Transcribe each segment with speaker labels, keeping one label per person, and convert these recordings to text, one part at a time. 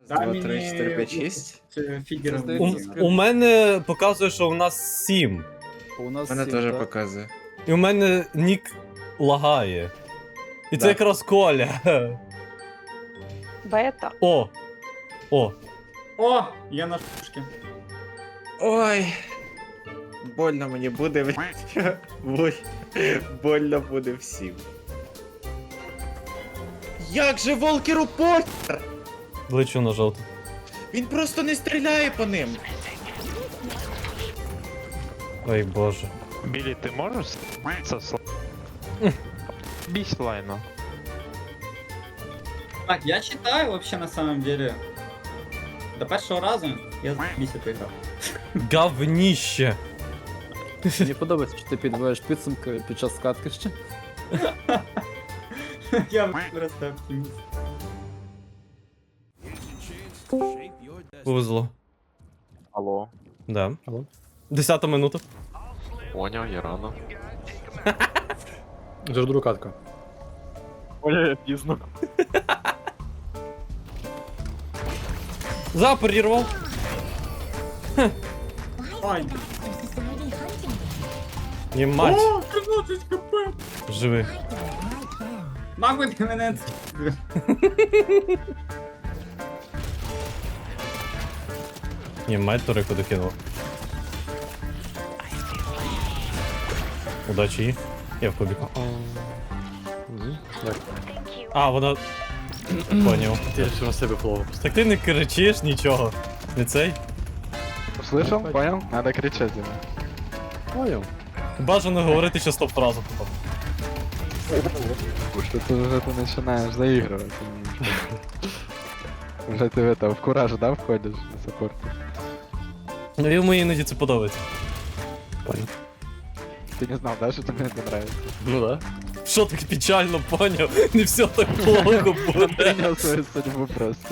Speaker 1: Дай
Speaker 2: 2, 3,
Speaker 1: мені
Speaker 2: 4, 5, 6.
Speaker 1: фігер.
Speaker 3: У мене показує, що у нас 7.
Speaker 4: У нас
Speaker 2: Мене
Speaker 4: 7,
Speaker 2: теж
Speaker 4: так?
Speaker 2: показує.
Speaker 3: І у мене нік лагає. І це
Speaker 2: Да.
Speaker 3: якраз Коля.
Speaker 5: Бета.
Speaker 3: О! О!
Speaker 1: О, я на шушки.
Speaker 2: Ой. Больно мені буде, блядь. Больно буде всім. Як же Волкеру похер?
Speaker 3: Лечу на жовту.
Speaker 2: Він просто не стріляє по ним.
Speaker 3: Ой боже.
Speaker 6: Білі, ти можеш це Бісь лайно.
Speaker 1: Так, я читаю вообще на самом деле. До першого разу я місяць грав.
Speaker 3: Говніще.
Speaker 4: Мені подобається, що ти підводиш підсумки під час скатки ще.
Speaker 1: Я просто оптиміст.
Speaker 3: Повезло.
Speaker 6: Алло.
Speaker 3: Да.
Speaker 4: Алло.
Speaker 3: 10 минута.
Speaker 6: Поняв, я рано.
Speaker 4: Жирдру катка.
Speaker 6: Поняв, я пізно.
Speaker 3: Запорірвав.
Speaker 1: Ой,
Speaker 3: Ємать.
Speaker 1: о, 13 хп!
Speaker 3: Живи.
Speaker 1: Нахуй ти мене
Speaker 3: Ємать, Торику докинув. Удачі їй. Я в кубіку. А, вона... Поняв.
Speaker 4: Я ще на себе флоу.
Speaker 3: Так ти не кричиш нічого. Не цей?
Speaker 6: Слышал? Понял? Надо кричать ему.
Speaker 4: Понял.
Speaker 3: Бажано говорити ще стоп-фразу.
Speaker 6: Что ты уже ты начинаешь заигрывать. Уже ты в это, в кураж, да, входишь на саппорт?
Speaker 3: Ну йому іноді це подобається.
Speaker 6: Ты не знал, да, что тебе это нравится?
Speaker 4: Ну да.
Speaker 3: Що так печально, поняв? Не все так плохо буде.
Speaker 6: Принял свою судьбу просто.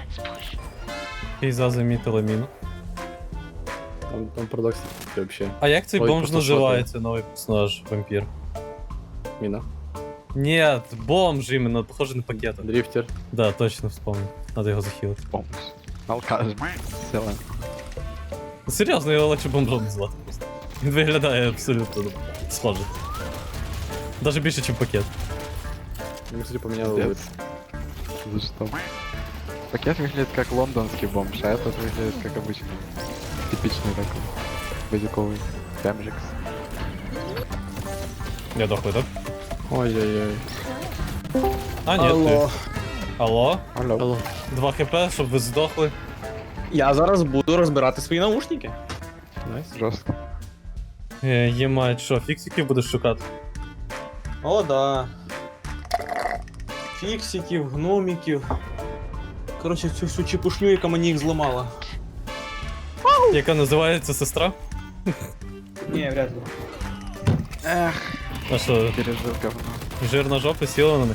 Speaker 3: Пейза замітила міну.
Speaker 4: Там парадокс вообще.
Speaker 3: А як цей
Speaker 4: Ой,
Speaker 3: бомж
Speaker 4: просто
Speaker 3: називається, новий персонаж, вампір?
Speaker 4: Міна.
Speaker 3: Нет, бомж іменно, похоже на пакет.
Speaker 4: Дрифтер.
Speaker 3: Да, точно вспомнил. Надо його захилити.
Speaker 6: Помощь. Алкаш. Села.
Speaker 3: Серйозно, його легше бомжом назвати просто. Він виглядає абсолютно схоже. Даже більше, ніж пакет.
Speaker 4: Ему, кстати, поменял
Speaker 6: Пиздец.
Speaker 4: вид.
Speaker 6: За что? Пакет выглядит как лондонский бомж, а этот выглядит как обычный. Типичный такой. Базиковый. Бомжикс.
Speaker 3: Я дохлий, так?
Speaker 4: Ой-ой-ой.
Speaker 3: А, ні, ти. Алло?
Speaker 6: Алло.
Speaker 4: Алло.
Speaker 3: 2 хп, щоб ви здохли.
Speaker 7: Я зараз буду розбирати свої наушники.
Speaker 4: Найс.
Speaker 6: Жестко.
Speaker 3: Ємать, що, фіксиків будеш шукати?
Speaker 7: О, да. Фіксиків, гноміків. Коротше, цю всю чепушню, яка мені їх зламала.
Speaker 3: Яка називається сестра?
Speaker 7: Ні, вряд ли.
Speaker 3: А що,
Speaker 6: Пережил говно.
Speaker 3: жирна жопа сіла на них?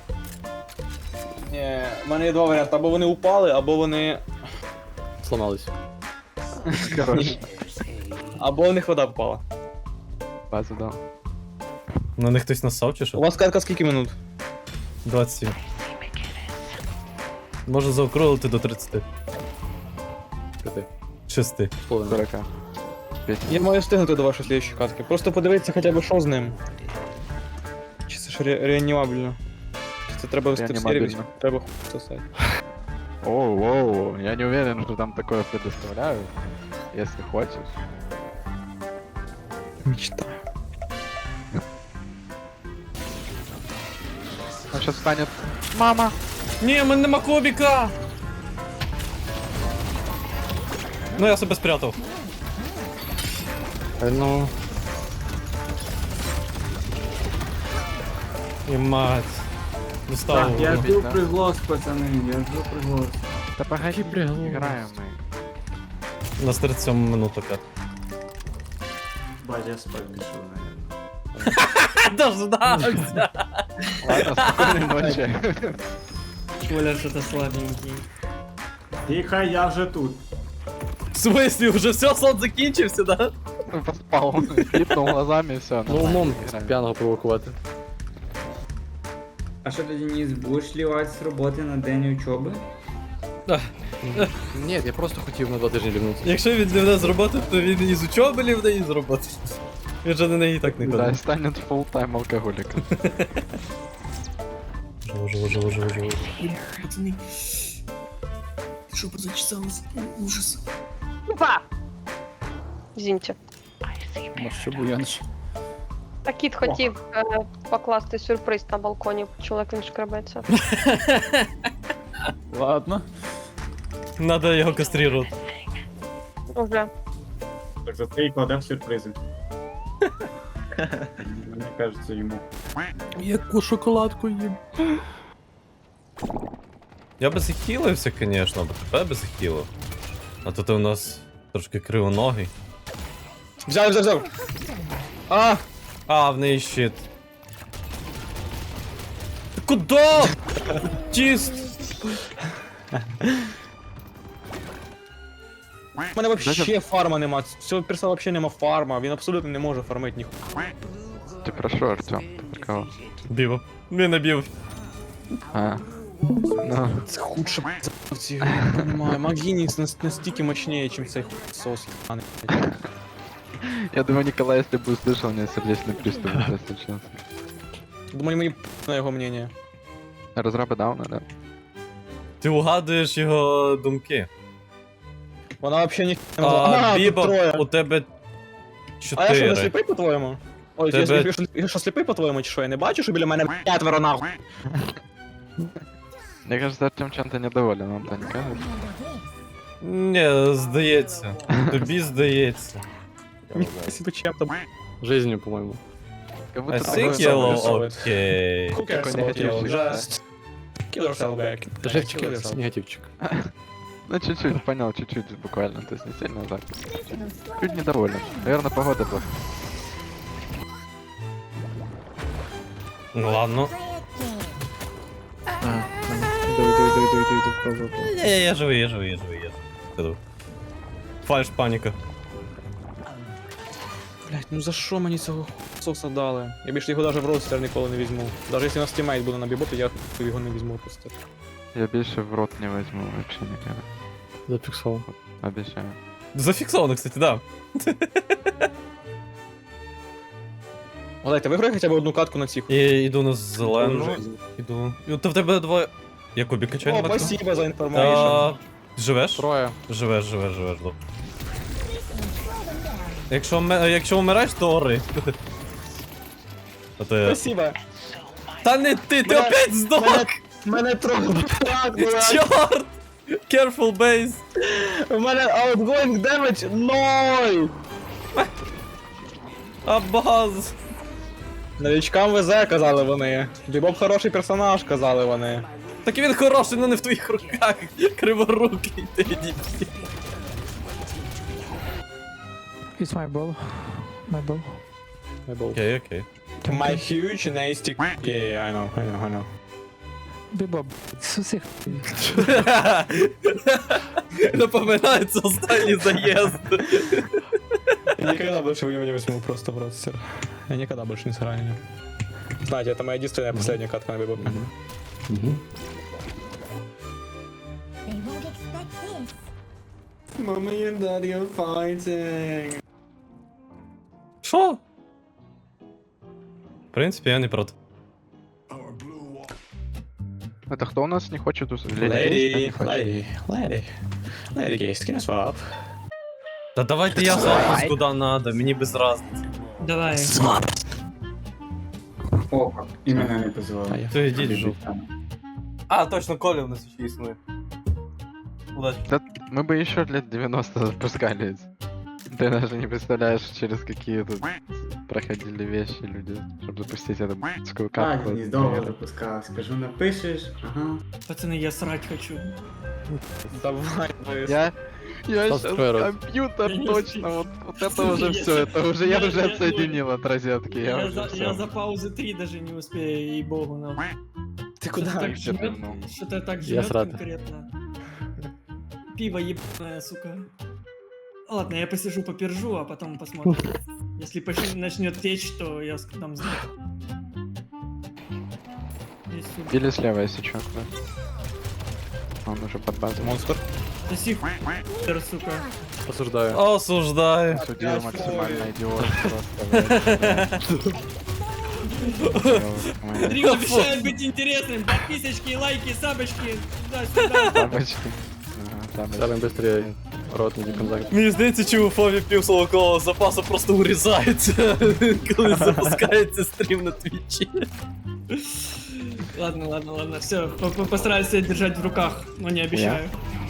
Speaker 7: Ні, в мене є два варіанти. Або вони упали, або вони.
Speaker 4: Сломались.
Speaker 6: Короче,
Speaker 7: Або в них вода впала.
Speaker 6: базу дал.
Speaker 3: На них хтось насав чи
Speaker 7: У
Speaker 3: що?
Speaker 7: вас катка скільки минут?
Speaker 3: 27. Можна заокруглити до 30.
Speaker 4: Пяти.
Speaker 3: 6.
Speaker 4: Половина.
Speaker 6: 40.
Speaker 7: Я маю встигнути до вашої слідчої катки. Просто подивитися хоча б що з ним. Чи це ж реанімабельно? Чи це треба вести в сервіс?
Speaker 6: Реанімабельно.
Speaker 7: Треба сосати.
Speaker 6: Оу, я не уверен, что там такое предоставляют. Если хочешь.
Speaker 7: Мечтаю.
Speaker 6: Он сейчас станет. Мама!
Speaker 3: Ні, в мене нема кубіка! Ну я себе спрятав.
Speaker 4: Ну.
Speaker 3: І мать. Достав.
Speaker 1: Так, я
Speaker 3: його.
Speaker 1: жду приглас, пацани, я жду приглас.
Speaker 6: Да погоди, играем мы.
Speaker 3: У нас 37 минут опять.
Speaker 1: Бать, я спать пішов, наверное.
Speaker 3: Дождався!
Speaker 6: Ладно, спокойной ночи.
Speaker 8: Коля что-то слабенький.
Speaker 1: Тихо, я вже тут.
Speaker 3: В смысле, уже все, сон закінчився, да?
Speaker 6: Поспал. Клипнул глазами и все.
Speaker 4: Ну, умом п'яного провокувати.
Speaker 1: А що ти, Денис, будеш лівати з роботи на день учоби?
Speaker 4: Ні, я просто хотів на 2 тижні лівнутися.
Speaker 3: Якщо він лівне з роботи, то він із учоби лівне, і з роботи. Він же на неї і так не
Speaker 6: Да,
Speaker 3: ходить.
Speaker 6: станет full-time алкоголиком.
Speaker 3: Живо.
Speaker 8: Пацаны. Жопа зачесалась. Ужас.
Speaker 5: Опа! Извините.
Speaker 4: Може, буянш.
Speaker 5: А кіт хотів покласти сюрприз на балконі, чоловік він шкребеться.
Speaker 4: Ладно.
Speaker 3: Надо його кастрирувати.
Speaker 5: Уже.
Speaker 1: Так за це і кладемо сюрпризи. Мені кажеться йому.
Speaker 3: Яку шоколадку їм. Я би захилився, звісно, бо тебе би захилив. А то ти у нас трошки кривоногий.
Speaker 7: Взяв. А!
Speaker 3: А, в неї щит. Ти куда? Чист!
Speaker 7: У мене вообще фарма нема. Цього перса вообще нема фарма. Він абсолютно не може фармити ніхуя.
Speaker 6: Ты про что, Артем? Ты про кого?
Speaker 3: Біво. Він набів.
Speaker 6: А. Ну,
Speaker 7: Це худше в цій грі, я не понимаю. Магінікс настільки мощніше, ніж цей сос.
Speaker 6: я думаю, Николай, если бы услышал, у него сердечный приступ бы случился.
Speaker 7: Думаю, мені на його мнение.
Speaker 6: Разрабы дауна, да?
Speaker 3: Ти угадуєш його думки.
Speaker 7: Вона вообще ні не могла.
Speaker 3: А,
Speaker 7: тут
Speaker 3: Біба,
Speaker 7: троє.
Speaker 3: у тебе
Speaker 7: А я що, не
Speaker 3: 4.
Speaker 7: сліпий по-твоєму? Ой,
Speaker 3: Тебе-
Speaker 7: я що сліпий по-твоєму, чи що? Я не бачу, що біля мене 4 нахуй.
Speaker 6: Мне кажется, Артем чем-то недоволен, вам то не кажется?
Speaker 3: Ні, здається. Тобі здається.
Speaker 7: Себе чим-то.
Speaker 4: Жизнью, по-моєму.
Speaker 6: Как
Speaker 3: I
Speaker 6: будто
Speaker 3: think
Speaker 6: такой-
Speaker 3: yellow, окей.
Speaker 7: Who cares
Speaker 6: Такой
Speaker 7: about
Speaker 6: негативчик.
Speaker 7: you? Just kill yourself back.
Speaker 4: Живчик,
Speaker 7: Kill yourself.
Speaker 4: негативчик.
Speaker 6: Ну, чуть-чуть, понял, чуть-чуть буквально, то есть не сильно так. Чуть недоволен. Наверное, погода плохая.
Speaker 3: Ну ладно.
Speaker 7: Иду.
Speaker 3: Я живий. Іду. Фальш паніка.
Speaker 7: Блять, ну за що мені цього соса дали? Я більше його навіть в ростер ніколи не візьму. Навіть якщо на стімейт буде на бібопі, я його не візьму просто.
Speaker 6: Я больше в рот не возьму вообще никогда.
Speaker 4: Зафіксував.
Speaker 6: Обещаю.
Speaker 3: Зафіксовано, кстати, да.
Speaker 7: Олег, ти виграй хоча б одну катку на цих.
Speaker 3: І йду на зелену. Іду. То в тебе двоє. Я кубі качаю
Speaker 7: О,
Speaker 3: на максимум.
Speaker 7: спасибо за інформацію.
Speaker 3: А, Живеш?
Speaker 4: Троє.
Speaker 3: Живеш, добре. Якщо вмираєш, то ори. А то я...
Speaker 7: Спасибо.
Speaker 3: Та не ти
Speaker 7: Мене-
Speaker 3: опять здох!
Speaker 7: Мене трохи так, блядь.
Speaker 3: Чорт! Careful base!
Speaker 7: У мене outgoing damage 0!
Speaker 3: Абаз!
Speaker 7: Новичкам везе, казали вони. Бібоп хороший персонаж, казали вони.
Speaker 3: Так він хороший, але не в твоїх руках. Криворукий ти дідь.
Speaker 9: It's my ball. My ball.
Speaker 3: Окей.
Speaker 7: My huge nasty... Yeah, I know.
Speaker 9: Бібоп. Сусіх.
Speaker 3: Напоминається останній заїзд.
Speaker 7: Я никогда больше его не возьму просто в ростер. Я никогда больше не сыграю на нем. Знаете, это моя единственная последняя катка на бибопе. Mommy and daddy are fighting.
Speaker 3: Що? В принципі, я не проти.
Speaker 6: Это кто у нас не хочет услышать?
Speaker 7: Lady gaze, can I swap?
Speaker 3: Та давайте я запуск куди надо, мені без разниці.
Speaker 8: Давай.
Speaker 1: О, і мене не позвали.
Speaker 3: То йдіть жук. А, точно, Коля у нас ще існує. Удачі.
Speaker 6: Да, мы бы еще лет 90 запускали. Ты даже не представляешь, через какие тут проходили вещи люди, чтобы запустить эту б***скую карту.
Speaker 1: Так, довго запускав. Скажу, напишеш, ага.
Speaker 8: Пацаны, я срать хочу.
Speaker 7: Давай.
Speaker 6: Я
Speaker 4: Стас,
Speaker 6: щас
Speaker 4: твой рот.
Speaker 6: компьютер
Speaker 8: Я не
Speaker 6: точно, вот это уже все, это уже я уже отсоединил от розетки, я
Speaker 8: Я
Speaker 6: уже
Speaker 8: за
Speaker 6: все.
Speaker 8: паузы 3 даже не успею, ей-богу, нам.
Speaker 7: Ты
Speaker 8: Что-то так
Speaker 6: Вообще
Speaker 8: жмет,
Speaker 6: давно.
Speaker 8: что-то так
Speaker 4: Я
Speaker 8: жмет
Speaker 4: срата.
Speaker 8: конкретно. Пиво ебаное, сука. Ладно, я посижу, попержу, а потом посмотрим. Если начнет течь, то я дам знак. Есть сюда.
Speaker 6: Или слева, если что. Да. Он уже под базу.
Speaker 7: Монстр.
Speaker 8: Соси сука.
Speaker 4: Осуждаю.
Speaker 3: Осуждаю.
Speaker 6: Судья максимально идиот просто.
Speaker 8: Дрим обещает быть интересным. Подписочки, лайки, сабочки. Туда-сюда.
Speaker 6: Тапочки. Ага,
Speaker 4: Ставим быстрее. Рот не контакт.
Speaker 3: Мені здається, чи у Фові пів свого запасу просто урізається, коли запускається стрім на твічі.
Speaker 8: Ладно. Все, постараюсь себя держать в руках, но не обещаю.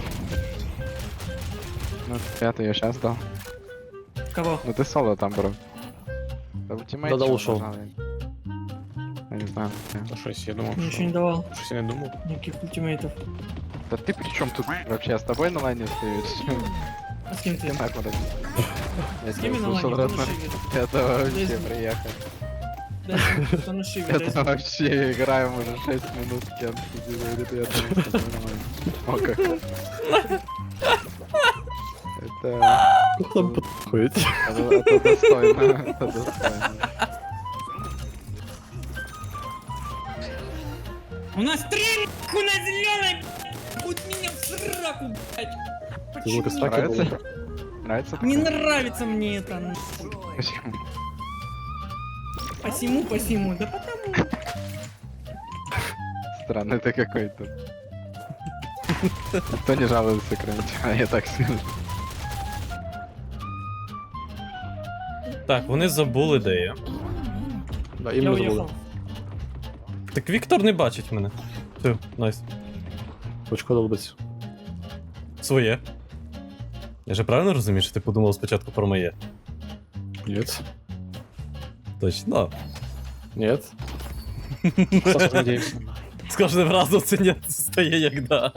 Speaker 6: Ну, я ее сейчас дал.
Speaker 8: Кого?
Speaker 6: Ну ты соло там, бро. Да ультимейт
Speaker 4: Да-да,
Speaker 6: чё
Speaker 4: ушел.
Speaker 6: нажал? Я не знаю.
Speaker 7: Ну щось, я думав,
Speaker 8: Ничего не
Speaker 7: що...
Speaker 8: давал.
Speaker 7: Щось я не думав.
Speaker 8: Никаких ультимейтов.
Speaker 6: Да ты при чем тут вообще? Я с тобой на лайне стоишь?
Speaker 8: А с кем ты?
Speaker 6: Я так вот.
Speaker 8: С кем я на
Speaker 6: слушал
Speaker 8: лайне? Кто на
Speaker 6: рэп.
Speaker 8: шиве?
Speaker 6: Это вообще
Speaker 8: Здесь-
Speaker 6: приехал.
Speaker 8: Кто на шиве?
Speaker 6: Это вообще играем уже 6 минут с кем говорит, я думаю, что нормально. О, как. Это...
Speaker 4: Там подходит.
Speaker 6: Это достойно, это достойно.
Speaker 8: У нас 3 нахуй на зеленой, хоть меня в сраку, блядь.
Speaker 4: Звука
Speaker 8: Почему?
Speaker 4: стаки
Speaker 6: Нравится?
Speaker 4: было.
Speaker 6: Нравится?
Speaker 8: Не
Speaker 6: такое?
Speaker 8: нравится мне это. нахуй.
Speaker 6: Почему?
Speaker 8: Посему. Да потому.
Speaker 6: Странный ты какой-то. Никто не жалуется, кроме тебя, я так скажу.
Speaker 3: Так, вони забули, де я.
Speaker 4: Да,
Speaker 8: Я
Speaker 4: іменно забули.
Speaker 8: уехал.
Speaker 3: Так Віктор не бачить мене. Все, найс.
Speaker 4: Очко долбиться.
Speaker 3: Своє. Я же правильно розумію, що ти подумав спочатку про моє?
Speaker 4: Нет.
Speaker 3: Точно.
Speaker 4: Нет. Саша, надеемся.
Speaker 3: З кожним разом це не стає як да.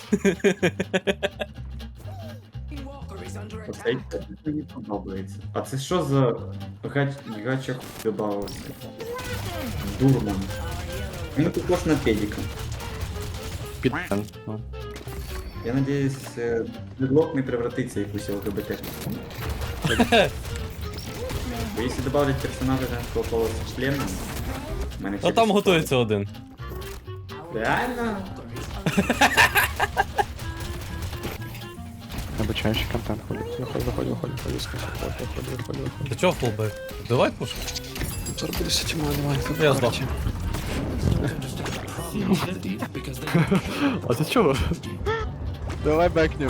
Speaker 1: Оцей мені подобається. А це що за гачок добавив? Дурман. Він похож на педика.
Speaker 4: Підтен. Ну.
Speaker 1: Я надіюсь, Дедлок не превратиться в якусь ЛГБТ. Бо якщо добавлять персонажа женського пола з членом, в мене
Speaker 3: А там готується один.
Speaker 1: Реально?
Speaker 6: Обучающий контент ходит.
Speaker 4: Заходи.
Speaker 3: Ти чого фулбек? Давай пуш.
Speaker 4: Зараз буде все тьма, давай.
Speaker 3: Я здав.
Speaker 4: А ти чого?
Speaker 6: Давай бэкнем.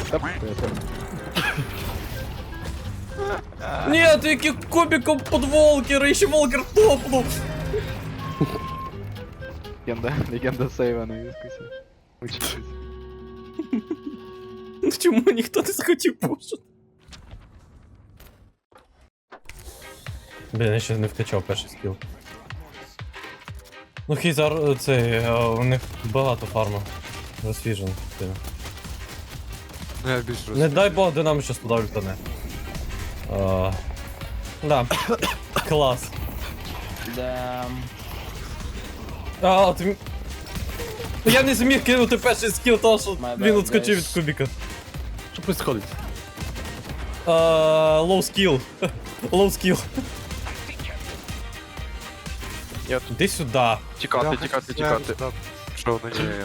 Speaker 3: Ні, ти яким кубиком под Волкера, ще Волкер топнув.
Speaker 6: Легенда сейва на вискусе. Учитесь.
Speaker 3: Ну чому ніхто не захотів пушити? Блін, я ще не вкачав перший скіл. Ну Хейзар, цей, у них багато фарма. Розсвіжено.
Speaker 6: Ну я більш
Speaker 3: Не дай Бог, де нам щас туди ультане. Да. Клас. А, ти... Я не зміг кинути перший скіл, тому що він відскочив від кубіка.
Speaker 4: Що происходить?
Speaker 3: Low skill. Low skill. Іди сюди.
Speaker 6: Тікати. Що воно є?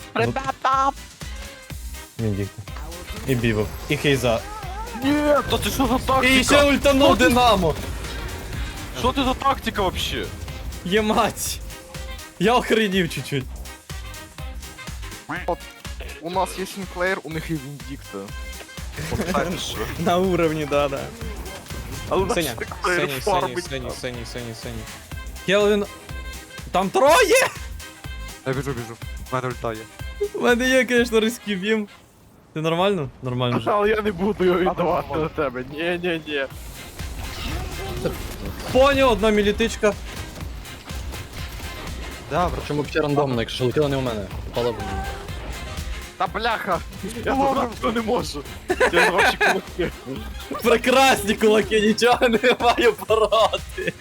Speaker 3: Віндікта. І бівов. І Хейза.
Speaker 6: Ні, то ти що за
Speaker 3: І ще ультанув Динамо.
Speaker 6: Що ти за тактика вообще?
Speaker 3: Ємать. Я охренів чуть-чуть.
Speaker 6: У нас є Сінклеєр, у них є Віндікта.
Speaker 7: На уровне, да.
Speaker 6: А у нас
Speaker 7: Сеня,
Speaker 6: Сінклеєр фармить.
Speaker 7: Сеня.
Speaker 3: Келвін. Там троє!
Speaker 6: Я біжу. В мене ульта є.
Speaker 3: У мене є, звісно, різкий бім. Ти нормально? Нормально ж.
Speaker 6: Але я не буду його віддавати на тебе. Ні.
Speaker 3: Поняв, одна мілітичка.
Speaker 4: Причому взагалі рандомно, якщо летіло не у мене. Попало б мені.
Speaker 6: Та бляха! Я забрати не можу. Я ваші кулаки.
Speaker 3: Прекрасні кулаки, нічого не маю пороти.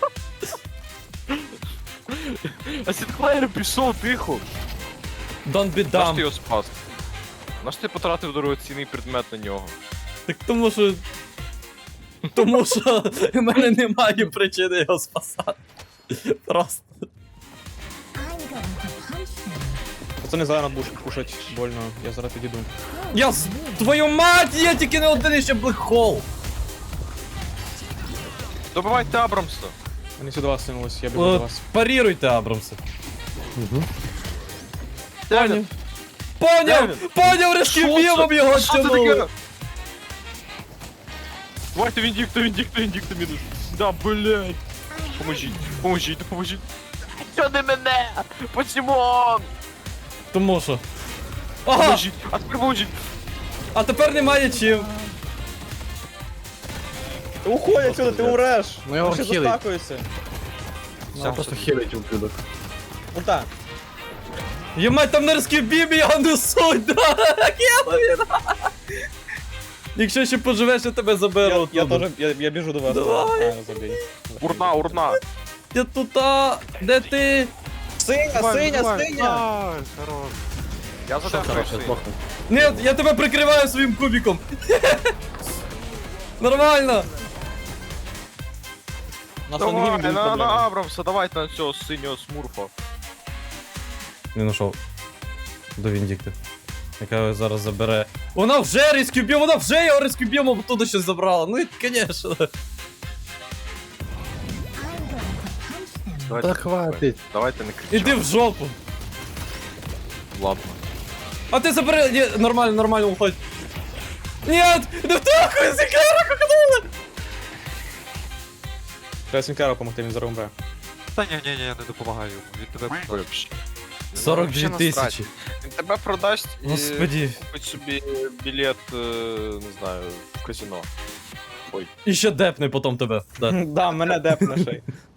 Speaker 6: А Сінклеєр пішов тихо.
Speaker 3: Don't be
Speaker 6: Наш ти
Speaker 3: dumb.
Speaker 6: його спас? Наш ти потратив дорогоцінний предмет на нього?
Speaker 3: Так тому що... Тому що в мене немає причини його спасати. Просто.
Speaker 7: Пацани, зараз будеш кушать больно, я зараз підійду.
Speaker 3: Твою мать, є тільки не один ще блекхол!
Speaker 2: Добивайте Абрамса.
Speaker 7: Вони сюди вас синулись, я біжу до вас.
Speaker 3: Паріруйте, Абрамси.
Speaker 2: Девід,
Speaker 3: Поняв, рeskibімом його тянули!
Speaker 2: Давайте Віндікта мінус. Да, блядь. Поможіть. Що не мене? Почему?
Speaker 3: Тому що. Ага!
Speaker 2: А тепер поможіть.
Speaker 3: А тепер немає чим.
Speaker 7: Уходь отсюда, ти умреш!
Speaker 4: Ну його
Speaker 7: Ще
Speaker 4: хілить.
Speaker 7: застакується.
Speaker 4: Я просто хілить ублюдок.
Speaker 7: Ульта.
Speaker 3: Ємать, там на рескібімі його несуть, да! Кілові, да! Якщо ще поживеш, я тебе заберу.
Speaker 7: Я
Speaker 3: оттуда.
Speaker 7: теж, я біжу до вас.
Speaker 3: Давай.
Speaker 7: А, забій.
Speaker 2: Урна.
Speaker 3: Я тут, де ти?
Speaker 7: Синя!
Speaker 2: Я задав
Speaker 3: Ні, я тебе прикриваю своїм кубиком. Нормально.
Speaker 7: Нас на другій будуть проблеми.
Speaker 2: Абрамса, давайте на цього синього смурфа.
Speaker 3: Не знайшов. До Віндікти. Яка його зараз забере. Вона вже рескюб'є, вона вже його рескюб'ємо, бо туди щось забрала. Ну і, звісно.
Speaker 6: Та хватить.
Speaker 2: Давайте не кричати.
Speaker 3: Іди в жопу.
Speaker 2: Ладно.
Speaker 3: А ти забери. Ні, нормально, уходь. Ні, не втахуй, зікера, кокнули.
Speaker 7: Треба Сінкеру помогти, він зараз умре.
Speaker 2: Та ні, не допомагаю. Він тебе виб'є.
Speaker 3: 42 тисячі.
Speaker 2: Він тебе продасть і
Speaker 3: Господи.
Speaker 2: купить собі білет, не знаю, в казино.
Speaker 3: І ще депне потім тебе. Да.
Speaker 7: Да, мене депне ще й.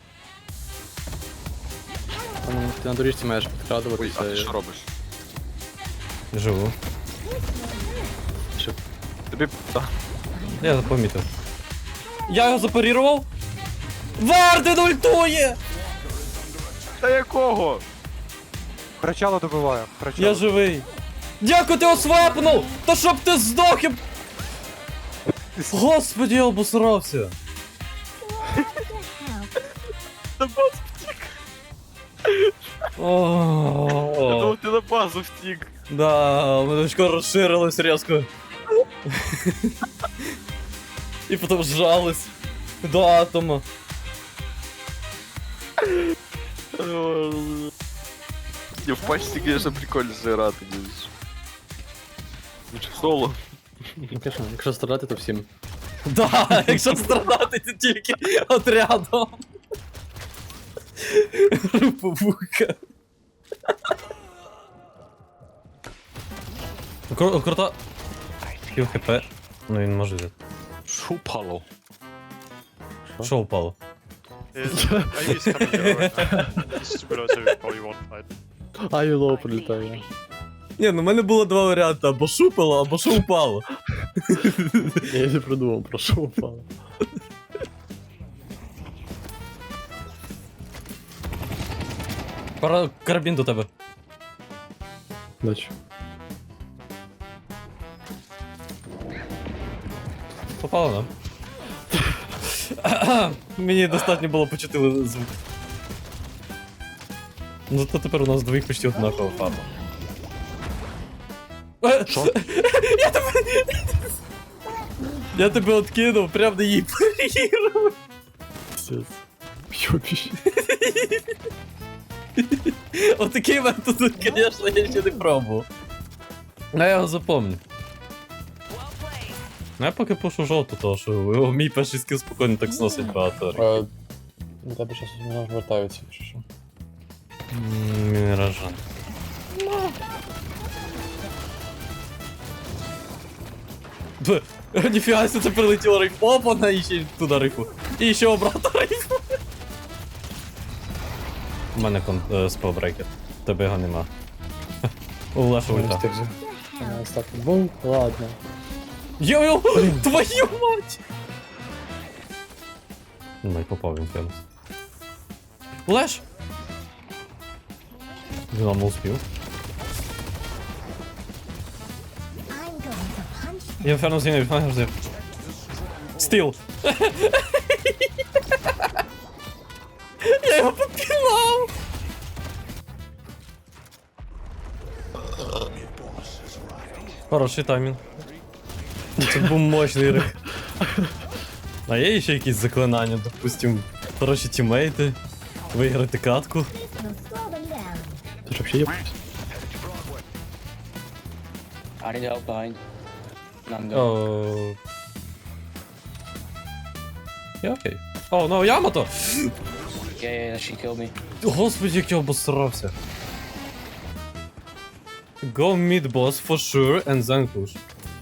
Speaker 4: Ти на доріжці маєш
Speaker 2: Ой,
Speaker 4: підкрадуватися.
Speaker 2: а ти що робиш?
Speaker 3: Живу.
Speaker 2: Тобі...
Speaker 3: Я помітив. Я його запарірував. Варден ультує!
Speaker 2: Та якого?
Speaker 6: Кричало добиваю.
Speaker 3: Я живий. Дякую, ти освапнув! Та щоб ти здох! Господи, я обосрався. О,
Speaker 2: Ти на базу втік.
Speaker 3: да, у мене очко розширилось різко. І потім зжалось до атома.
Speaker 2: Не, в пачці, конечно, прикольно зіграти, дивись. Лучше в соло.
Speaker 4: Ну, звісно, якщо страдати, то всім.
Speaker 3: Да, якщо страдати, то тільки отрядом. Руповуха. Круто. Пів хп. Ну він може взяти.
Speaker 2: Що упало?
Speaker 3: Що упало?
Speaker 4: Айло прилітає.
Speaker 3: Ні, ну в мене було два варіанти, або шупало, або що упало.
Speaker 4: Я не придумав, про що упало.
Speaker 3: Пора карабін до тебе.
Speaker 4: Дачу.
Speaker 3: Попало, да? Мені достатньо було почути звук. Ну то тепер у нас двоїх почти однакова фарба. Що? Я тебе откинув, прям на її парірував.
Speaker 4: Йобіш.
Speaker 3: Отакий метод, звісно, я ще не пробував. А я його запомню. Ну я поки пушу жовту, тому що мій перший скіл спокійно так сносить багато.
Speaker 4: До тебе щось не вертаються, якщо що.
Speaker 3: Мінеражан. Ніфіга, це прилетіло рейф. Опа, і ще туди рейфу. І ще обратно рейфу. У мене спелбрейкер. Тебе його нема. У Леша ульта.
Speaker 4: Ну, ладно.
Speaker 3: Йо-йо! Твою мать! Ну, і попав він фенус. Леш! Динамо успів. Я фернус не фернус. Стил! Я його попілав! Хороший таймінг. Це був мощний рик. А є ще якісь заклинання, допустим, хороші тіммейти, виграти катку.
Speaker 6: Ты ж вообще ебать.
Speaker 10: I need help behind. I'm going.
Speaker 3: О. Я окей. О, ну Ямато!
Speaker 10: Yeah, she killed me.
Speaker 3: Господи, як я обосрався. Go mid boss for sure and then push.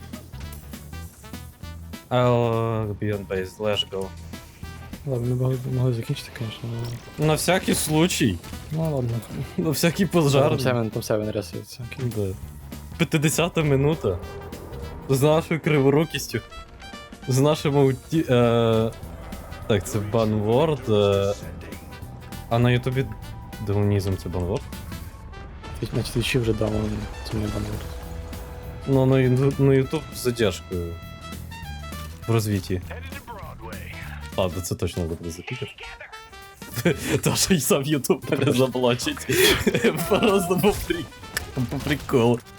Speaker 3: I'll be on base, let's go.
Speaker 4: Ладно, ми могли закінчити, звісно.
Speaker 3: На всякий случай.
Speaker 4: Ну ладно.
Speaker 3: На всякий пожар.
Speaker 4: Там Севен ресується.
Speaker 3: Да. 50-та минута. З нашою криворукістю. З нашим ауті... Так, це банворд. А на ютубі даунізм це банворд?
Speaker 4: На твічі вже дав, це не банворд.
Speaker 3: Ну, на ютуб з задержкою. В розвитті. Ладно, це точно буде запікати. Та що й сам ютуб мене заблочить. Просто по приколу.